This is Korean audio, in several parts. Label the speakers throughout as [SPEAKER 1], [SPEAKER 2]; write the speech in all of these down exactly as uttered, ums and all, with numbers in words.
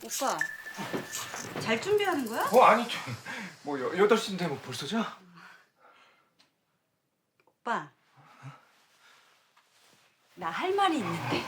[SPEAKER 1] 오빠, 잘 준비하는 거야?
[SPEAKER 2] 어 아니 저, 뭐 여, 여덟 시인데 뭐 벌써 자?
[SPEAKER 1] 오빠, 나 할 말이 있는데.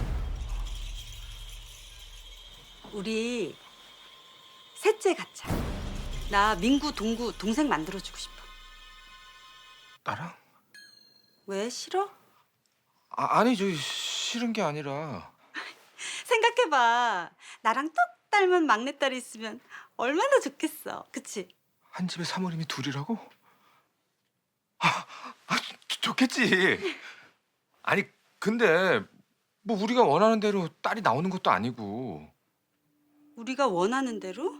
[SPEAKER 1] 우리 셋째 갖자. 나 민구, 동구 동생 만들어주고 싶어.
[SPEAKER 2] 나랑?
[SPEAKER 1] 왜 싫어?
[SPEAKER 2] 아, 아니 저 싫은 게 아니라
[SPEAKER 1] 생각해봐. 나랑 똑 닮은 막내딸이 있으면 얼마나 좋겠어. 그치?
[SPEAKER 2] 한 집에 사모님이 둘이라고? 아, 아 좋- 좋겠지. 아니 근데 뭐 우리가 원하는 대로 딸이 나오는 것도 아니고.
[SPEAKER 1] 우리가 원하는 대로?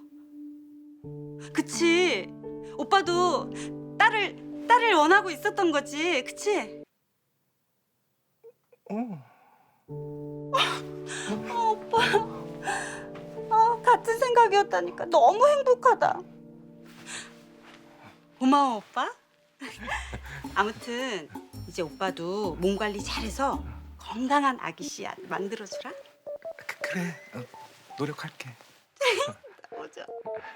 [SPEAKER 1] 그치? 오빠도 딸을 딸을 원하고 있었던 거지. 그치?
[SPEAKER 2] 어.
[SPEAKER 1] 어, 오빠. 아, 같은 생각이었다니까. 너무 행복하다. 고마워, 오빠. 아무튼 이제 오빠도 몸 관리 잘해서 건강한 아기 씨앗 만들어주라.
[SPEAKER 2] 그, 그래 어, 노력할게.
[SPEAKER 1] 오죠.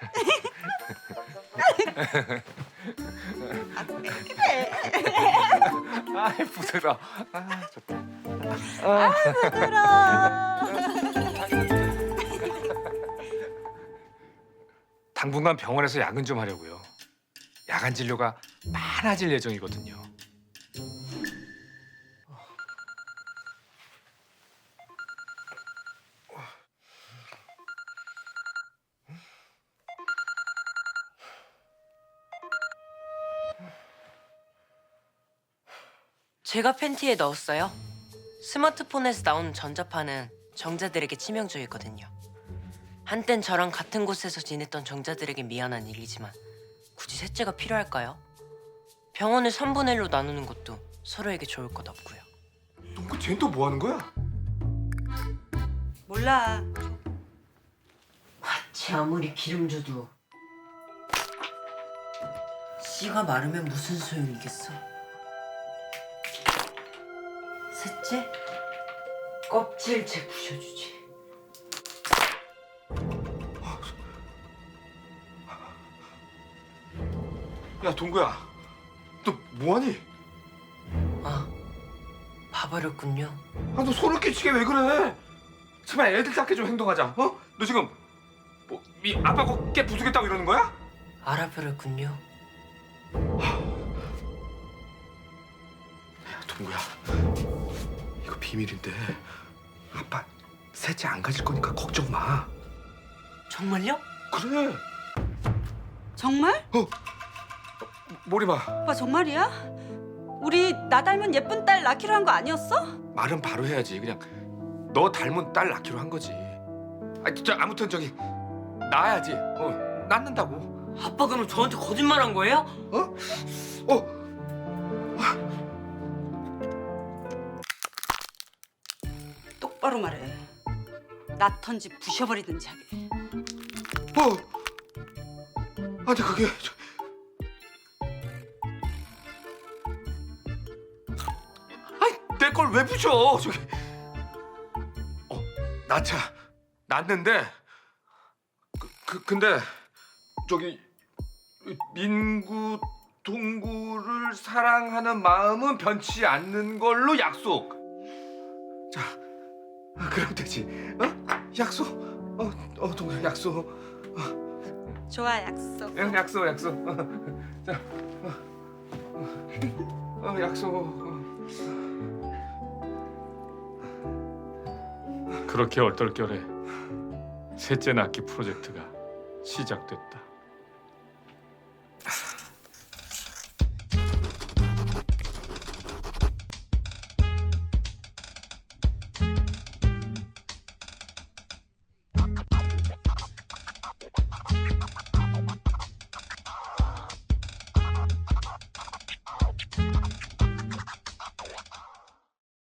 [SPEAKER 1] 아, 그래.
[SPEAKER 2] 아 부드러. 아 좋다.
[SPEAKER 1] 아, 부드러워.
[SPEAKER 2] 당분간 병원에서 야근 좀 하려고요. 야간 진료가 많아질 예정이거든요.
[SPEAKER 3] 제가 팬티에 넣었어요. 스마트폰에서 나오는 전자파는 정자들에게 치명적이거든요. 한땐 저랑 같은 곳에서 지냈던 정자들에게 미안한 일이지만 굳이 셋째가 필요할까요? 병원을 삼분의 일로 나누는 것도 서로에게 좋을 것 없고요.
[SPEAKER 2] 동구 쟤는 또 뭐 하는 거야?
[SPEAKER 1] 몰라.
[SPEAKER 3] 쟤 아무리 기름 줘도 씨가 마르면 무슨 소용이겠어? 셋째? 껍질째 부셔주지.
[SPEAKER 2] 야 동구야, 너 뭐하니?
[SPEAKER 3] 아, 봐버렸군요.
[SPEAKER 2] 아 너 소름 끼치게 왜 그래? 제발 애들답게 좀 행동하자. 어? 너 지금 뭐미 아빠 어깨 부수겠다고 이러는 거야?
[SPEAKER 3] 알아버렸군요.
[SPEAKER 2] 야 동구야, 이거 비밀인데 아빠 셋째 안 가질 거니까 걱정 마.
[SPEAKER 3] 정말요?
[SPEAKER 2] 그래.
[SPEAKER 1] 정말?
[SPEAKER 2] 어? 머리 봐.
[SPEAKER 1] 오빠 정말이야? 우리 나 닮은 예쁜 딸 낳기로 한 거 아니었어?
[SPEAKER 2] 말은 바로 해야지. 그냥 너 닮은 딸 낳기로 한 거지. 아, 저 아무튼 저기 낳아야지. 어, 낳는다고.
[SPEAKER 3] 아빠 그럼 저한테 거짓말한 거예요?
[SPEAKER 2] 어? 어?
[SPEAKER 1] 똑바로 말해. 낳던지 부셔버리든지 하게.
[SPEAKER 2] 어? 아니 그게 저... 아니 내 걸 왜 부셔? 저기 어 낳자 낳는데 그, 그 근데 저기 민구 동구를 사랑하는 마음은 변치 않는 걸로 약속. 자 그럼 되지? 어? 약속. 어, 어 동구 약속.
[SPEAKER 1] 좋아, 약속.
[SPEAKER 2] 응, 약속, 약속. 어, 자, 어, 어, 약속.
[SPEAKER 4] 그렇게 얼떨결에 셋째 낳기 프로젝트가 시작됐다.